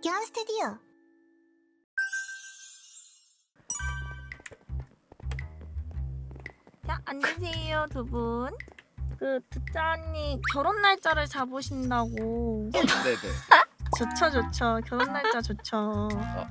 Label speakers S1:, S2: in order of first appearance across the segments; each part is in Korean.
S1: 박현 스튜디오.
S2: 자, 앉으세요, 두 분. 듣자 언니 결혼 날짜를 잡으신다고.
S3: 네네.
S2: 좋죠. 결혼 날짜 좋죠.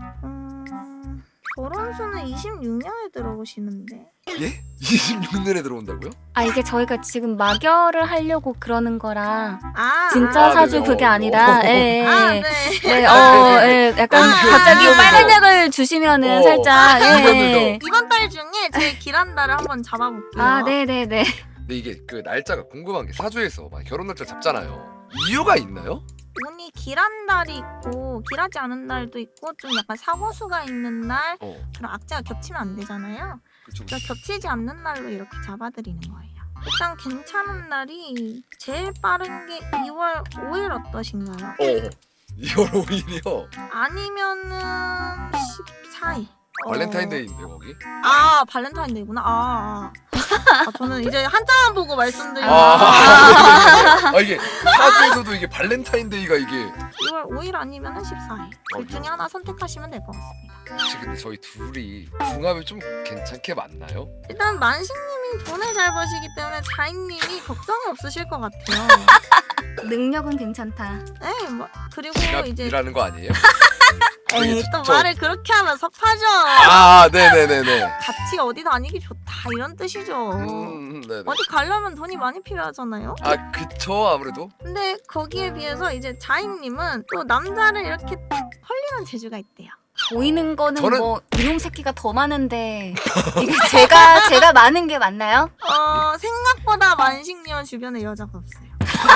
S2: 결혼수는 26년에 들어오시는데.
S3: 예? 26년에 들어온다고요?
S4: 아 이게 저희가 지금 막열을 하려고 그러는 거라
S2: 아,
S4: 진짜
S3: 아,
S4: 사주
S3: 네네.
S4: 그게 아니라 예,
S2: 아,
S4: 예.
S2: 네.
S4: 네,
S3: 네.
S4: 약간
S2: 아,
S4: 갑자기
S2: 아,
S4: 빨간 약을 주시면은 살짝 예.
S2: 이번 달 중에 제 길한달을 한번 잡아볼게요.
S4: 아 네네네.
S3: 근데 이게 그 날짜가 궁금한 게 사주에서 막 결혼 날짜 잡잖아요. 이유가 있나요?
S2: 운이 길한 달이 있고 길하지 않은 날도 있고 좀 약간 사고수가 있는 날 그런 악재가 겹치면 안 되잖아요.
S3: 그쵸.
S2: 그래서 겹치지 않는 날로 이렇게 잡아드리는 거예요. 일단 괜찮은 날이 제일 빠른 게 2월 5일 어떠신가요?
S3: 2월 5일이요.
S2: 아니면은 14일.
S3: 발렌타인데이인데 거기?
S2: 아 발렌타인데이구나. 저는 이제 한자만 보고 말씀드리는
S3: 이게 사주에서도 이게 발렌타인데이가 이게
S2: 2월 5일 아니면은 14일. 둘 중에 하나 선택하시면 될 것 같습니다.
S3: 혹시 근데 저희 둘이 궁합이 좀 괜찮게 맞나요?
S2: 일단 만식님이 돈을 잘 버시기 때문에 자인님이 걱정이 없으실 것 같아요.
S4: 능력은 괜찮다.
S2: 네, 뭐 그리고 이제
S3: 일하는 거 아니에요?
S2: 에이, 또 말을 그렇게 하면 섭하죠.
S3: 아 네네네네.
S2: 같이 어디 다니기 좋다 이런 뜻이죠.
S3: 네네.
S2: 어디 가려면 돈이 많이 필요하잖아요.
S3: 아 그쵸 아무래도.
S2: 근데 거기에 비해서 이제 자인님은 또 남자를 이렇게 탁 헐리는 재주가 있대요.
S4: 보이는 거는
S3: 저는-
S4: 뭐 이놈 새끼가 더 많은데 이게 제가 많은 게 맞나요?
S2: 생각보다 만식님은 주변에 여자가 없어요.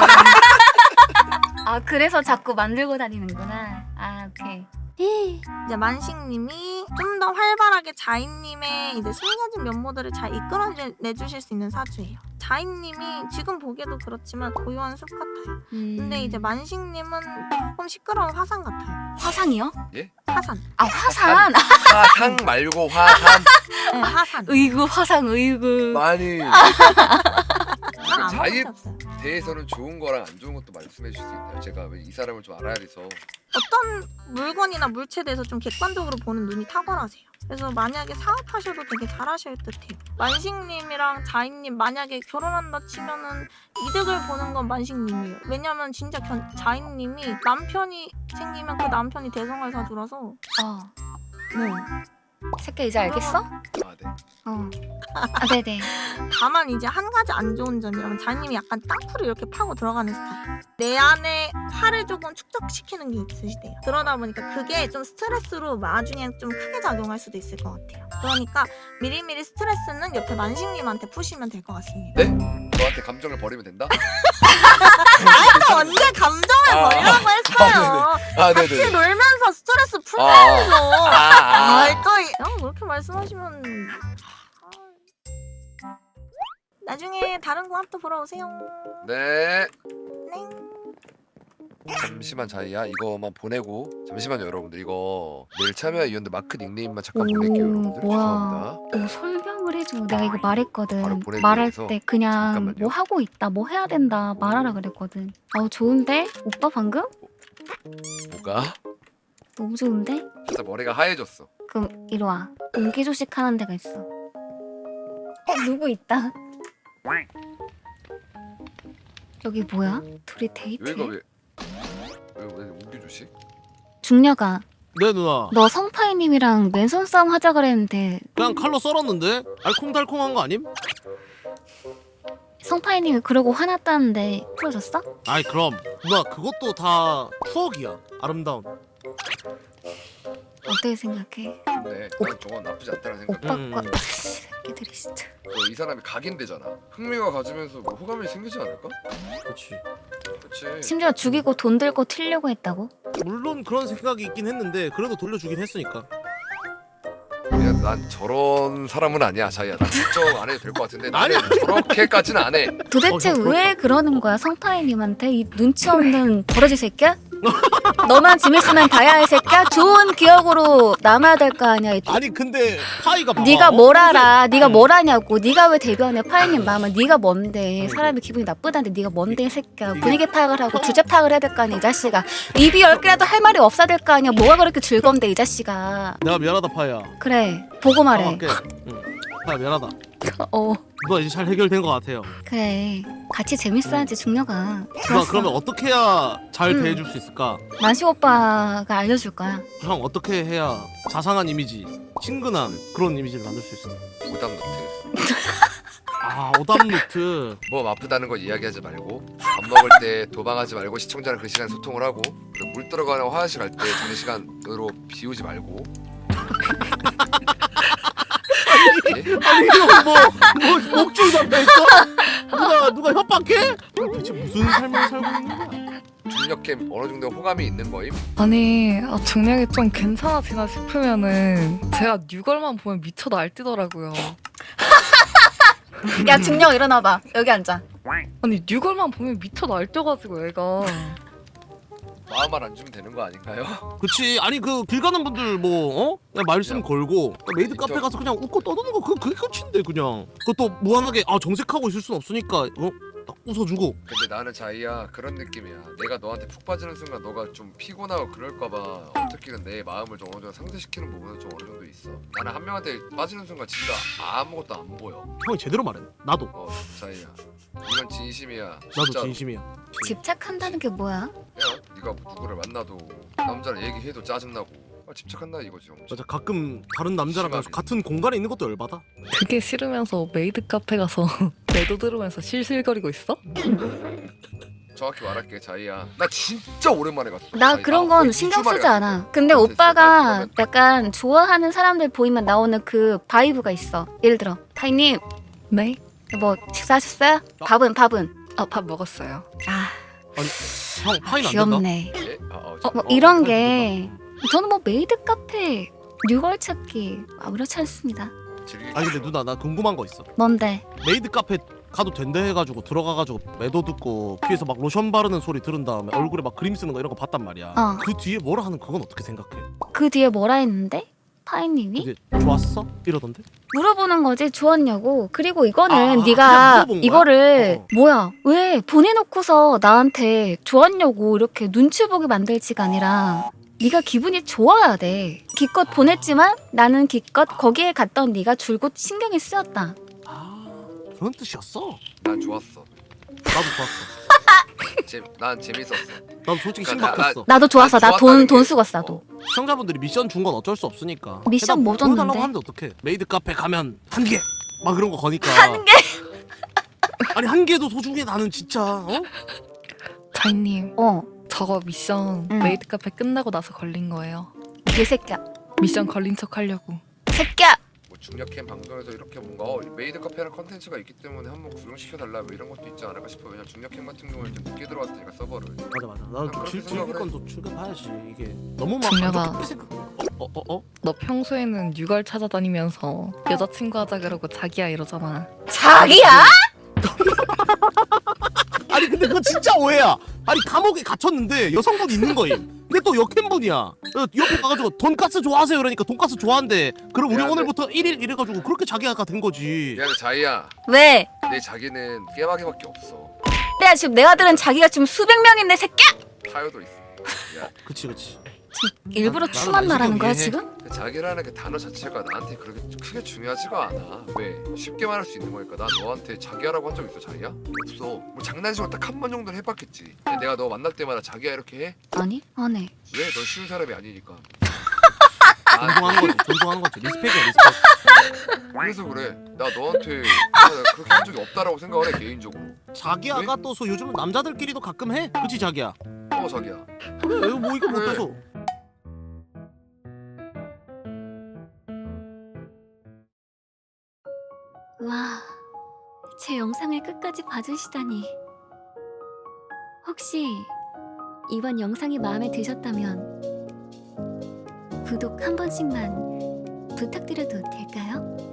S4: 아 그래서 자꾸 만들고 다니는구나. 아 오케이.
S2: 이제 만식님이 좀 더 활발하게 자인님의 이제 숨겨진 면모들을 잘 이끌어내주실 수 있는 사주예요. 자인님이 지금 보기에도 그렇지만 고요한 숲 같아요. 근데 이제 만식님은 조금 시끄러운 화산 같아요.
S4: 화상이요?
S2: 화산.
S4: 아 화산.
S3: 화상 말고 화산.
S2: 네, 화산.
S4: 의구 화상 의구.
S3: 많이
S2: 난
S3: 자인
S2: 아무것도 없어요.
S3: 대해서는 좋은 거랑 안 좋은 것도 말씀해 주실 수 있나요? 제가 왜 이 사람을 좀 알아야 돼서.
S2: 어떤 물건이나 물체에 대해서 좀 객관적으로 보는 눈이 탁월하세요. 그래서 만약에 사업하셔도 되게 잘하실 듯해요. 만식님이랑 자인님 만약에 결혼한다 치면은 이득을 보는 건 만식님이에요. 왜냐면 진짜 자인님이 남편이 생기면 그 남편이 대성할 사주라서 네.
S4: 새끼 이제 알겠어?
S3: 아 네.
S4: 아 네네.
S2: 다만 이제 한 가지 안 좋은 점이라면 자인님이 약간 땅굴을 이렇게 파고 들어가는 스타일. 내 안에 화를 조금 축적시키는 게 있으시대요. 그러다 보니까 그게 좀 스트레스로 나중에 좀 크게 작용할 수도 있을 것 같아요. 그러니까 미리미리 스트레스는 옆에 만식님한테 푸시면 될 것 같습니다.
S3: 네? 저한테 감정을 버리면 된다?
S2: 아니 언제 감정을
S3: 아,
S2: 버리라고 했어요.
S3: 아
S2: 같이
S3: 네네.
S2: 놀면서 스트레스 풀면서.
S3: 아.
S2: 아이 또 그렇게 말씀하시면 나중에 다른 궁합도 보러 오세요.
S3: 네.
S2: 네.
S3: 잠시만 자이야 이거만 보내고 잠시만요 여러분들 이거 내일 참여 이연들 마크 닉네임만 잠깐 보낼게요 여러분들 죄송합니다.
S4: 설명을 해줘. 내가 이거 말했거든.
S3: 바로 보내기
S4: 말할
S3: 위해서.
S4: 때 그냥
S3: 잠깐만요.
S4: 뭐 하고 있다, 뭐 해야 된다 말하라 그랬거든. 좋은데? 오빠 방금?
S3: 뭐가?
S4: 너무 좋은데?
S3: 진짜 머리가 하얘졌어.
S4: 그럼 이리 와. 옹기조식 하는 데가 있어. 누구 있다. 여기 뭐야? 둘이 데이트해?
S3: 여기가 왜 옹기조식?
S4: 중녀가
S5: 네 누나
S4: 너 성파이님이랑 맨손 싸움 하자 그랬는데
S5: 그냥 칼로 썰었는데 알콩달콩한 거 아님?
S4: 성파이님이 그러고 화났다는데 풀어졌어?
S5: 아이 그럼 누나 그것도 다 추억이야. 아름다운.
S4: 어떻게 생각해?
S3: 근데 난 저건 나쁘지 않다는 생각.
S4: 오빠과 새끼들이 진짜.
S3: 이 사람이 각인되잖아. 흥미가 가지면서 뭐 호감이 생기지 않을까?
S5: 그렇지.
S3: 그렇지.
S4: 심지어 죽이고 돈 들고 튀려고 했다고?
S5: 물론 그런 생각이 있긴 했는데 그래도 돌려주긴 했으니까.
S3: 야, 난 저런 사람은 아니야 자이야. 난 걱정 안 해도 될 것 같은데
S5: 아니야.
S3: 나는 저렇게까지는 안 해.
S4: 도대체
S5: 형,
S4: 왜 그러는 거야 성파이님한테 이 눈치 없는 버러지 새끼야? 너만 재밌으면 다야 이 새끼야. 좋은 기억으로 남아야 될 거 아니야.
S5: 아니 근데 파이가 봐봐.
S4: 네가 뭘 알아? 네가
S5: 응.
S4: 뭘 아냐고. 네가 왜 대변해? 파이님 마음은 네가 뭔데? 사람이 기분이 나쁘다는데 네가 뭔데 이 새끼야. 분위기 파악을 하고 주제 파악을 해야 될 거 아니야 이 자식아. 입이 10개라도 할 말이 없어야 될 거 아니야. 뭐가 그렇게 즐거운데 이 자식아.
S5: 내가 미안하다 파이야.
S4: 그래 보고 말해.
S5: 할게. 응. 파이야 미안하다.
S4: 어
S5: 누나 이제 잘 해결된 것 같아요.
S4: 그래 같이 재밌어야지 중녀가.
S5: 누나
S4: 좋았어.
S5: 그러면 어떻게 해야 잘
S4: 응.
S5: 대해줄 수 있을까?
S4: 만식 오빠가 알려줄 거야.
S5: 형 어떻게 해야 자상한 이미지, 친근한 그런 이미지를 만들 수 있을까?
S3: 오답 노트.
S5: 아 오답노트.
S3: 몸 아프다는 거 이야기하지 말고 밥 먹을 때 도망하지 말고 시청자랑 그 시간 소통을 하고 그리고 물 들어가는 화장실 갈 때 장시간으로 비우지 말고. 예?
S5: 아니 형뭐 목줄 잡혀있어? 누가 협박해? 대체 무슨 삶을 살고 있는 거야?
S3: 중력캠 어느 정도 호감이 있는 거임?
S1: 아니 중력이 좀 괜찮아지나 싶으면은 제가 뉴걸만 보면 미쳐 날뛰더라고요.
S4: 야 중녀 일어나봐. 여기 앉아.
S1: 아니 뉴걸만 보면 미쳐 날뛰어가지고 애가.
S3: 마음만 안 주면 되는 거 아닌가요?
S5: 그치. 아니 그 길 가는 분들 뭐 어? 그냥 말씀 걸고 메이드 카페 가서 그냥 웃고 떠드는 거 그게 끝인데 그냥. 그것도 무한하게 정색하고 있을 순 없으니까 딱 웃어주고.
S3: 근데 나는 자이야 그런 느낌이야. 내가 너한테 푹 빠지는 순간 너가 좀 피곤하고 그럴까봐 어떻게든 내 마음을 좀 어느 정도 상쇄시키는 부분은 좀 어느 정도 있어. 나는 한 명한테 빠지는 순간 진짜 아무것도 안 보여.
S5: 형이 제대로 말해. 나도
S3: 자이야 이건 진심이야.
S5: 나도
S3: 진짜로.
S5: 진심이야.
S4: 집착한다는 게 뭐야?
S3: 그냥 네가 누구를 만나도 남자를 얘기해도 짜증나고 집착한다 이거지. 엄청.
S5: 맞아. 가끔 다른 남자랑
S3: 심하게.
S5: 같은 공간에 있는 것도 열받아.
S1: 그게 싫으면서 메이드 카페 가서 매도 들으면서 실실거리고 있어?
S3: 정확히 말할게 자이야. 나 진짜 오랜만에 갔어.
S4: 나
S3: 자이.
S4: 그런
S3: 거의
S4: 건
S3: 2주
S4: 신경
S3: 만에
S4: 쓰지
S3: 갔어.
S4: 않아. 근데
S3: 됐어.
S4: 오빠가
S3: 그러면
S4: 약간 좋아하는 사람들 보이면 나오는 그 바이브가 있어. 예를 들어 타이님
S1: 네?
S4: 뭐 식사하셨어요? 밥은?
S1: 아 밥 먹었어요.
S4: 아
S5: 형 파이는 안 된다.
S4: 귀엽네.
S3: 예?
S4: 뭐 이런 게 저는 뭐 메이드 카페 뉴걸 찾기 아무렇지 않습니다.
S5: 아니 근데 누나 나 궁금한 거 있어.
S4: 뭔데?
S5: 메이드 카페 가도 된다 해가지고 들어가가지고 매도 듣고 귀에서 막 로션 바르는 소리 들은 다음에 얼굴에 막 그림 쓰는 거 이런 거 봤단 말이야. 그 뒤에 뭐라 하는 그건 어떻게 생각해?
S4: 그 뒤에 뭐라 했는데? 파이님이?
S5: 그게 좋았어? 이러던데?
S4: 물어보는 거지 좋았냐고. 그리고 이거는
S5: 그냥
S4: 네가
S5: 물어본 거야?
S4: 이거를
S5: 어.
S4: 뭐야 왜 보내놓고서 나한테 좋았냐고 이렇게 눈치 보게 만들지가 아니라 네가 기분이 좋아야 돼. 기껏 보냈지만 나는 기껏 거기에 갔던 네가 줄곧 신경이 쓰였다.
S5: 아 그런 뜻이었어?
S3: 난 좋았어.
S5: 나도 좋았어.
S3: 난 재밌었어.
S5: 나도 솔직히
S3: 그러니까
S5: 신박했어.
S4: 나도 좋았어. 나
S3: 좋았다는
S4: 돈
S3: 게-
S4: 쓰고 왔어 나도.
S5: 시청자분들이 미션 준 건 어쩔 수 없으니까.
S4: 미션 뭐
S5: 보여달라고
S4: 줬는데?
S5: 하는데 어떡해. 메이드 카페 가면 한 개! 막 그런 거 거니까.
S4: 한 개?
S5: 아니 한 개도 소중해 나는 진짜. 어?
S1: 자이님
S4: 어
S1: 저거 미션
S4: 응.
S1: 메이드 카페 끝나고 나서 걸린 거예요.
S4: 개새끼야.
S1: 미션 걸린 척 하려고.
S4: 새끼야.
S3: 뭐 중력캠 방송에서 이렇게 뭔가 메이드 카페라는 컨텐츠가 있기 때문에 한번 구경시켜 달라 뭐 이런 것도 있지 않을까 싶어. 왜냐면 중력캠 같은 경우는 좀 늦게 들어왔으니까 서버를.
S5: 맞아. 나도
S3: 그렇게
S5: 즐길
S3: 생각을
S5: 건 또 즐겨봐야지. 이게 너무 막
S1: 중요하다.
S5: 감정 깊게 생각. 어?
S1: 너 평소에는 뉴걸 찾아다니면서 여자친구 하자 그러고 자기야 이러잖아.
S4: 자기야?
S5: 아니 근데 그거 진짜 오해야. 아니 감옥에 갇혔는데 여성분이 있는 거임. 근데 또 역캠분이야. 옆에 가가지고 돈가스 좋아하세요 그러니까 돈가스 좋아한대. 그럼 우리
S3: 미안해.
S5: 오늘부터 1일 이래가지고 그렇게 자기가 된 거지.
S3: 미안해 자이야.
S4: 왜?
S3: 내 자기는 깨박이밖에 없어.
S4: 내가 지금 내가 들은 자기가 지금 수백 명인데 새끼야?
S3: 타요도 있어. 야,
S5: 그치.
S4: 일부러
S5: 나는
S4: 추만 말하는
S5: 만식이
S4: 거야
S5: 이해해.
S4: 지금?
S3: 그 자기라는 그 단어 자체가 나한테 그렇게 크게 중요하지가 않아. 왜? 쉽게 말할 수 있는 거니까. 난 너한테 자기야라고 한 적 있어 자기야? 없어. 뭐 장난식으로 딱 한 번 정도는 해봤겠지. 근데 내가 너 만날 때마다 자기야 이렇게 해?
S4: 아니 안 해.
S3: 왜? 넌 쉬운 사람이 아니니까.
S5: 존중하는 거지. 리스펙이야 리스펙.
S3: 그래서 그래. 나 너한테 그렇게 한 적이 없다라고 생각을 해 개인적으로.
S5: 자기야가 또 요즘 남자들끼리도 가끔 해. 그치 자기야?
S3: 자기야.
S5: 그래 뭐 이거
S3: 그래.
S5: 못해서.
S4: 와, 제 영상을 끝까지 봐주시다니. 혹시 이번 영상이 마음에 드셨다면 구독 한 번씩만 부탁드려도 될까요?